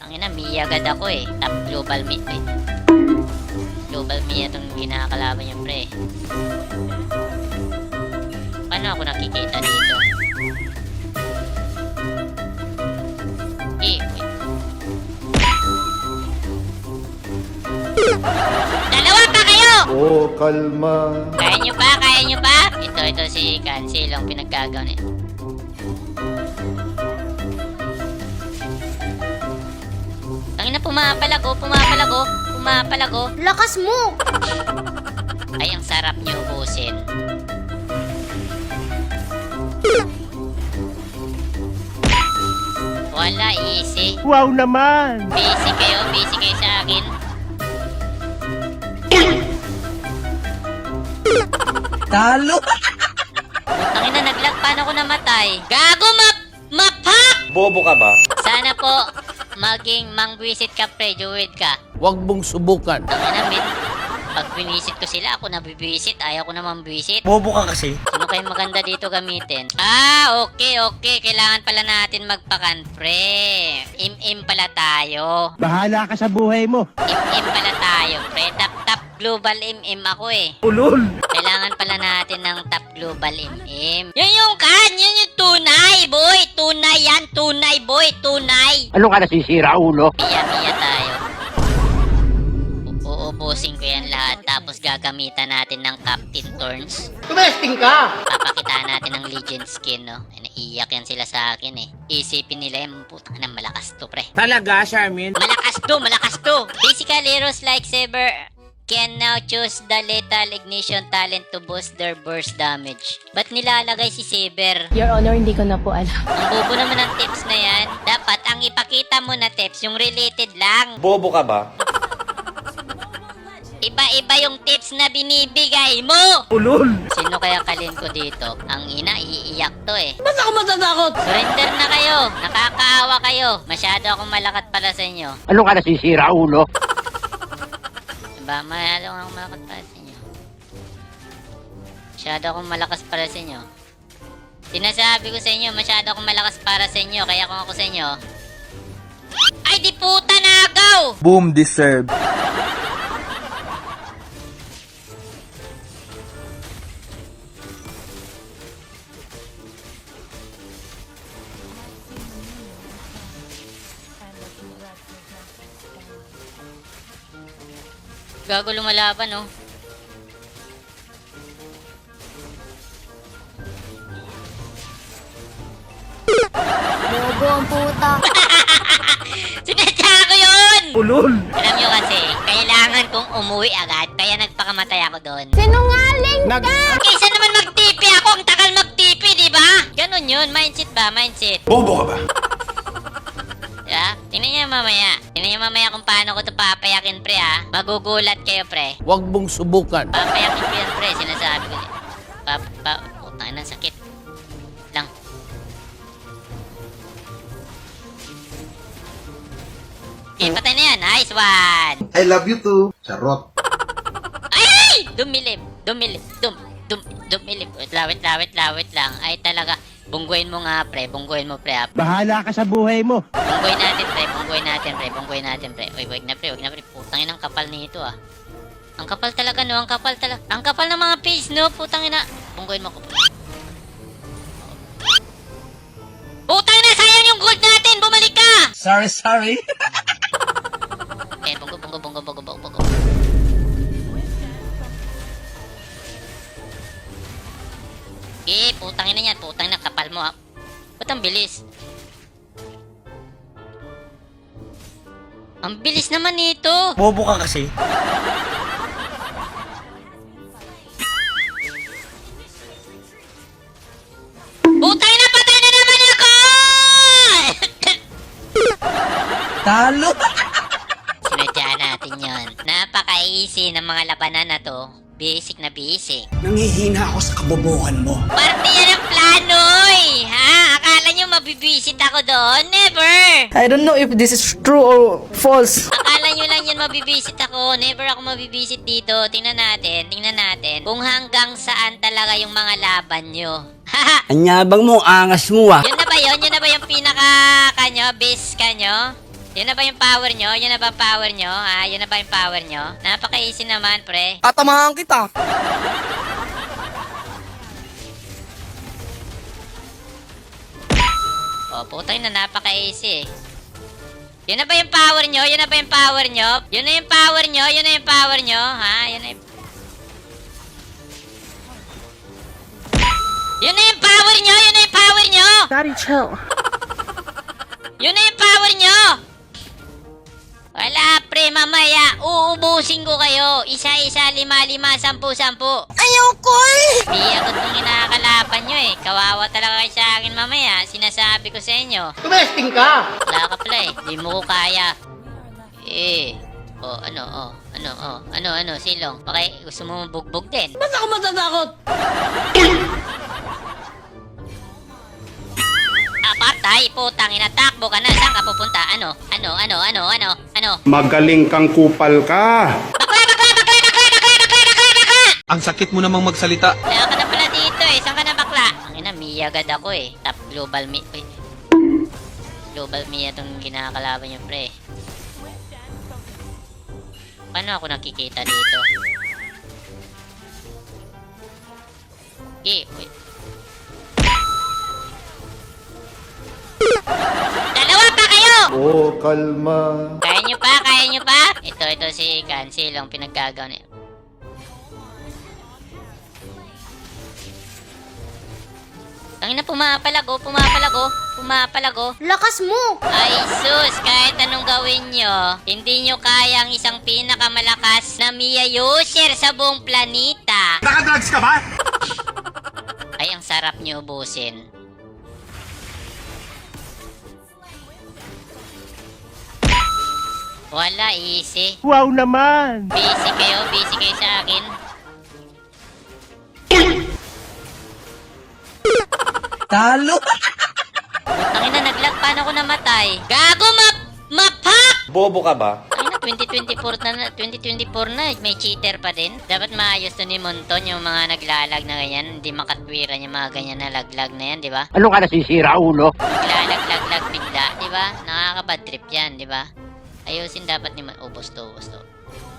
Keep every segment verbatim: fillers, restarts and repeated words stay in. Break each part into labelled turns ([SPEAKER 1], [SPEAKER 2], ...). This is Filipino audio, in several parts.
[SPEAKER 1] Ang ina, Mia agad ako eh. Top global mid eh. Global Mia itong kinakalaban niya, pre. Paano ako nakikita dito? Eh, wait. Dalawa pa kayo!
[SPEAKER 2] Oh, kalma.
[SPEAKER 1] Kaya nyo pa? Kaya nyo pa? Ito, ito si Cancel ang pinaggagaw niya. Ang ina, pumapalag oh, pumapalag oh, pumapalag oh.
[SPEAKER 3] Lakas mo!
[SPEAKER 1] Ay, ang sarap niyo ubusin. Wala, easy.
[SPEAKER 4] Wow naman!
[SPEAKER 1] Busy kayo, busy kayo sa akin.
[SPEAKER 4] Talo!
[SPEAKER 1] Ang ina, naglag, paano ko namatay? Gago, map! Mapak!
[SPEAKER 5] Bobo ka ba?
[SPEAKER 1] Sana po, maging mangwisit ka, pre, Jewel ka.
[SPEAKER 4] Huwag mong subukan.
[SPEAKER 1] Ang ina, min. Pag binisit ko sila, ako na bibisit. Ayaw ko naman bisit.
[SPEAKER 5] Bobo ka kasi.
[SPEAKER 1] Ano kayo maganda dito gamitin? Ah, okay, okay. Kailangan pala natin magpakan, pre. Im-im pala tayo.
[SPEAKER 4] Bahala ka sa buhay mo.
[SPEAKER 1] Im-im pala tayo, pre. Top-top global im-im ako eh.
[SPEAKER 4] Ulol!
[SPEAKER 1] Kailangan pala natin ng top global im-im. Yun yung kan! Yun yung tunay, boy! Tunay yan! Tunay, boy! Tunay!
[SPEAKER 4] Ano ka nasisira, ulo?
[SPEAKER 1] Miya-miya tayo. U- Uubusin ko yan lahat. Tapos gagamitan natin ng Captain Thorns.
[SPEAKER 4] Tumesting ka!
[SPEAKER 1] Papakitaan natin ng Legend skin, no? Ay, naiiyak yan sila sa akin eh. Isipin nila yung putang na malakas to, pre.
[SPEAKER 4] Talaga, Charmin?
[SPEAKER 1] Malakas to! Malakas to! Basically, heroes like Saber can now choose the lethal ignition talent to boost their burst damage. Ba't nilalagay si Saber?
[SPEAKER 3] Your Honor, hindi ko na po alam.
[SPEAKER 1] Ang bobo naman ng tips na yan. Dapat ang ipakita mo na tips, yung related lang.
[SPEAKER 5] Bobo ka ba?
[SPEAKER 1] Iba-iba yung tips na binibigay mo!
[SPEAKER 4] Ulol!
[SPEAKER 1] Sino kaya kalin ko dito? Ang ina, iiyak to eh.
[SPEAKER 4] Ba't ako matatakot?
[SPEAKER 1] Surrender na kayo! Nakakaawa kayo! Masyado akong malakat para sa inyo.
[SPEAKER 4] Ano ka nasisira, ulo?
[SPEAKER 1] Diba? Masyado akong malakat para sa inyo. Masyado akong malakas para sa inyo. Sinasabi ko sa inyo, masyado akong malakas para sa inyo. Kaya kung ako sa inyo... Ay, di puta nagaw!
[SPEAKER 2] Boom deserve.
[SPEAKER 1] Gago lumalaban, oh.
[SPEAKER 3] Bobo ang puta.
[SPEAKER 1] Sinadya ko yun!
[SPEAKER 4] Ulol!
[SPEAKER 1] Alam nyo kasi, kailangan kong umuwi agad, kaya nagpakamatay ako doon.
[SPEAKER 3] Sinungaling
[SPEAKER 4] Nag...
[SPEAKER 1] Kaysa naman mag-tipi ako, ang tagal mag-tipi, di ba? Ganon yun, mindset ba? Mindset.
[SPEAKER 5] Bobo ka ba?
[SPEAKER 1] Diba? Tingnan nyo mamaya. Tingnan nyo mamaya kung paano ko ito papayakin, pre, ha? Magugulat kayo, pre.
[SPEAKER 4] Huwag mong subukan.
[SPEAKER 1] Papayakin ko yan, pre. Sinasabi ko. Pa, pa, putang ina, sakit. Lang. Okay, patay na yan. Nice one.
[SPEAKER 2] I love you too. Charot.
[SPEAKER 1] Ay! Dumilip. Dumilip. Dum, dum, dumilip. Wait lang, wait lang, wait lang, wait lang. Ay, talaga. Bungguin mo nga, pre. Bungguin mo, pre. Ha?
[SPEAKER 4] Bahala ka sa buhay mo.
[SPEAKER 1] Bungguin natin, pre. Bungguin natin, pre. Bungguin natin, pre. Uy, wait na, pre. Wait na, pre. Putang ina, ang kapal nito, ah. Ang kapal talaga, no? Ang kapal talaga. Ang kapal ng mga page, no? Putang ina. Bungguin mo ko. Putang ina, sayang yung gold natin. Bumalik ka!
[SPEAKER 4] Sorry, sorry.
[SPEAKER 1] Eh, bunggo, bunggo, bunggo, bunggo, bunggo, bunggo. Eh, putang ina yan. Putang ina, kapal mo, ha? Ba't ang bilis? Ang bilis naman nito.
[SPEAKER 5] Bobo ka kasi.
[SPEAKER 1] Putang ina, patay na naman ako!
[SPEAKER 4] Talo!
[SPEAKER 1] Sinadya natin yon. Napaka-easy ng mga labanan na to. Basic na basic.
[SPEAKER 4] Nangihina ako sa kabobohan mo.
[SPEAKER 1] Parte yan ang plano, eh! Ha? Akala nyo mabibisit ako doon? Never!
[SPEAKER 6] I don't know if this is true or false.
[SPEAKER 1] Akala nyo lang yun mabibisit ako. Never ako mabibisit dito. Tingnan natin, tingnan natin. Kung hanggang saan talaga yung mga laban nyo. Haha!
[SPEAKER 4] Anyabang mo, angas mo ah.
[SPEAKER 1] Yun na ba yun? Yun na ba yung pinaka kanyo? Base kanyo? Yun na ba yung power nyo? Yun na ba ang power nyo? Ha? Yun na ba yung power nyo? Napaka-easy naman, pre.
[SPEAKER 6] Tatamahan kita.
[SPEAKER 1] Oh, putay na, napaka-easy eh. Yun na ba yung power nyo? Yun na ba yung power nyo? Yun na yung power nyo? Yun na yung power nyo? Ha? Yun na yung... Yun na yung power nyo! Yun na yung power nyo!
[SPEAKER 6] Daddy, chill.
[SPEAKER 1] Yun na yung power nyo! Wala, pre, mamaya. Uubusin ko kayo. Isa-isa, lima-lima, sampu-sampu.
[SPEAKER 6] Ayoko eh.
[SPEAKER 1] Biyagot kong inakalaban nyo eh. Kawawa talaga kayo sa akin mamaya. Sinasabi ko sa inyo.
[SPEAKER 6] Tumesting ka.
[SPEAKER 1] Wala ka pala eh. Di mo ko kaya. Eh. Oh, ano, oh. Ano, oh. Ano, ano, silong. Okay, gusto mo bugbog din.
[SPEAKER 6] Ba't ako matatakot?
[SPEAKER 1] Apatay, putang ina, takbo ka na. Saan ka pupunta? Ano? Ano, ano, ano, ano, ano?
[SPEAKER 2] Magaling kang kupal ka.
[SPEAKER 1] Bakla, bakla, bakla, bakla, bakla, bakla, bakla, bakla!
[SPEAKER 4] Ang sakit mo namang magsalita.
[SPEAKER 1] Wala ka na pala dito eh. Saan ka na bakla? Ang ina, Mia agad ako eh. Top global mi... Uy. Global Mia itong kinakalaban yung pre. Paano ako nakikita dito? Okay, wait. Dalawa pa kayo!
[SPEAKER 2] Oh, kalma.
[SPEAKER 1] Kaya nyo pa? Kaya nyo pa? Ito, ito si Cancel ang pinaggagawa niya. Tangina, pumapalag oh, pumapalag oh, pumapalag oh.
[SPEAKER 3] Lakas mo!
[SPEAKER 1] Ay sus, kahit anong gawin nyo, hindi nyo kaya ang isang pinakamalakas na Mia user sa buong planeta.
[SPEAKER 2] Nakadrugs ka ba?
[SPEAKER 1] Ay, ang sarap nyo ubusin. Wala, easy.
[SPEAKER 4] Wow naman.
[SPEAKER 1] Busy kayo, busy kayo sa akin.
[SPEAKER 4] Talo.
[SPEAKER 1] Tangina, naglag, paano ako namatay? Gago, map! Mapak!
[SPEAKER 5] Bobo ka ba?
[SPEAKER 1] Tangina, twenty twenty-four na, twenty twenty-four na, may cheater pa din. Dapat maayos to ni Monton yung mga naglalag na ganyan. Hindi makatwiran yung mga ganyan na laglag na yan, di ba?
[SPEAKER 4] Ano ka nasisira, ulo?
[SPEAKER 1] Naglalag-laglag bigla, di ba? Nakakabad trip yan, di ba? Ayusin dapat ni Mon... Ubos to, ubos to.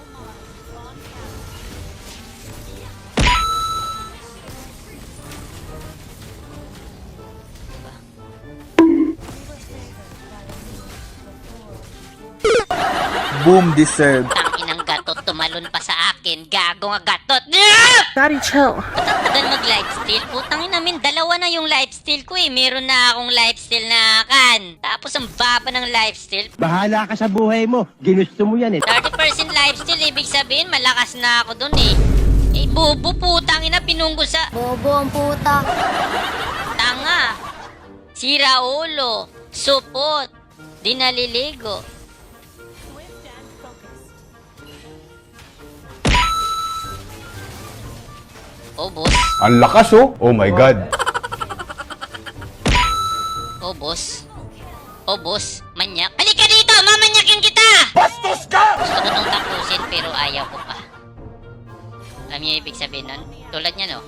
[SPEAKER 2] Boom deserved.
[SPEAKER 1] Tanginang gatot, tumalon pa sa akin. Gago nga gatot. Yeah!
[SPEAKER 6] Daddy, chill.
[SPEAKER 1] Tagal mag-lifesteal. Putangin namin, dalawa na yung lifesteal ko eh. Meron na akong lifesteal na kan. Tapos ang baba ng lifesteal.
[SPEAKER 4] Bahala ka sa buhay mo. Ginusto mo yan eh.
[SPEAKER 1] thirty percent lifesteal, ibig sabihin, malakas na ako dun eh. Eh, bubo, putangin na, pinunggo sa...
[SPEAKER 3] Bobo ang puta.
[SPEAKER 1] Tanga. Sira ulo. Supot. Di naliligo. Oh, boss.
[SPEAKER 2] Ang lakas oh. Oh my God.
[SPEAKER 1] Oh, boss. Oh, boss. Manyak. Halika dito! Mamanyakin kita!
[SPEAKER 2] Bastos ka!
[SPEAKER 1] Gusto ko tong tapusin pero ayaw ko pa. Alam niyo ibig sabihin nun? Tulad niya, no?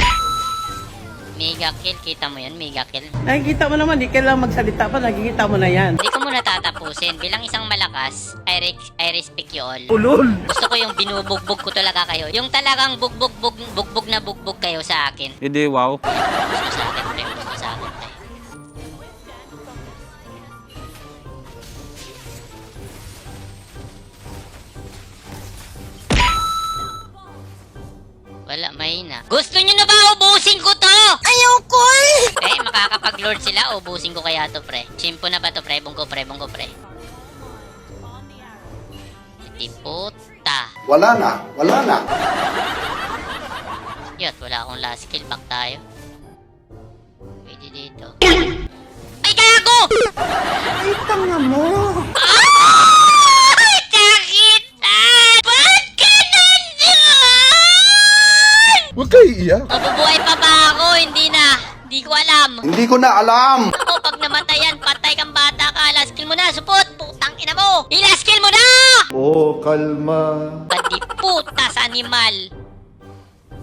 [SPEAKER 1] Mega kill. Kita mo yun? Mega kill.
[SPEAKER 6] Nakikita mo naman, di kailangan magsalita pa, nakikita mo na yan.
[SPEAKER 1] Hindi ko muna tatapusin. Bilang isang malakas, I, re- I respect you all.
[SPEAKER 6] Ulol.
[SPEAKER 1] Gusto ko yung binubugbog ko talaga kayo. Yung talagang bugbog bug, bugbog na bugbog kayo sa akin.
[SPEAKER 4] Hindi, wow.
[SPEAKER 1] Gusto sa akin, pre. Gusto sa akin, pre. Wala, mahina. Gusto nyo na ba ubusin ko to?
[SPEAKER 6] Ayoko eh.
[SPEAKER 1] Eh, makakapag-lord sila, ubusin ko kaya to, pre. Simpo na ba to, pre? Bungko, pre, bungko, pre. Iti puta.
[SPEAKER 2] Wala na. Wala na.
[SPEAKER 1] Yot, wala akong last kill. Back tayo. Pwede dito. Ay, gago!
[SPEAKER 6] Ay, tanga mo.
[SPEAKER 1] Ah! Kakitan! Ba't ka nandun?
[SPEAKER 2] Huwag kayo iiyak.
[SPEAKER 1] Mabubuhay pa ba ako? Hindi na. Hindi ko alam.
[SPEAKER 2] Hindi ko na alam.
[SPEAKER 1] Ako, pag namatayan, patay kang bata ka. Last kill mo na, supot! Putang ina mo! I-last kill mo na!
[SPEAKER 2] Oh, kalma.
[SPEAKER 1] Pati puta sa animal.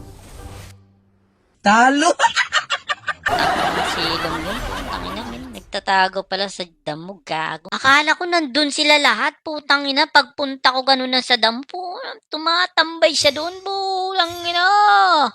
[SPEAKER 4] Talo.
[SPEAKER 1] Silong yun. Putang ina, men. Nagta nagtatago pala sa damo, gago. Akala ko nandun sila lahat, putang ina. Pagpunta ko ganun na sa damo, po, tumatambay siya doon, bulang ina.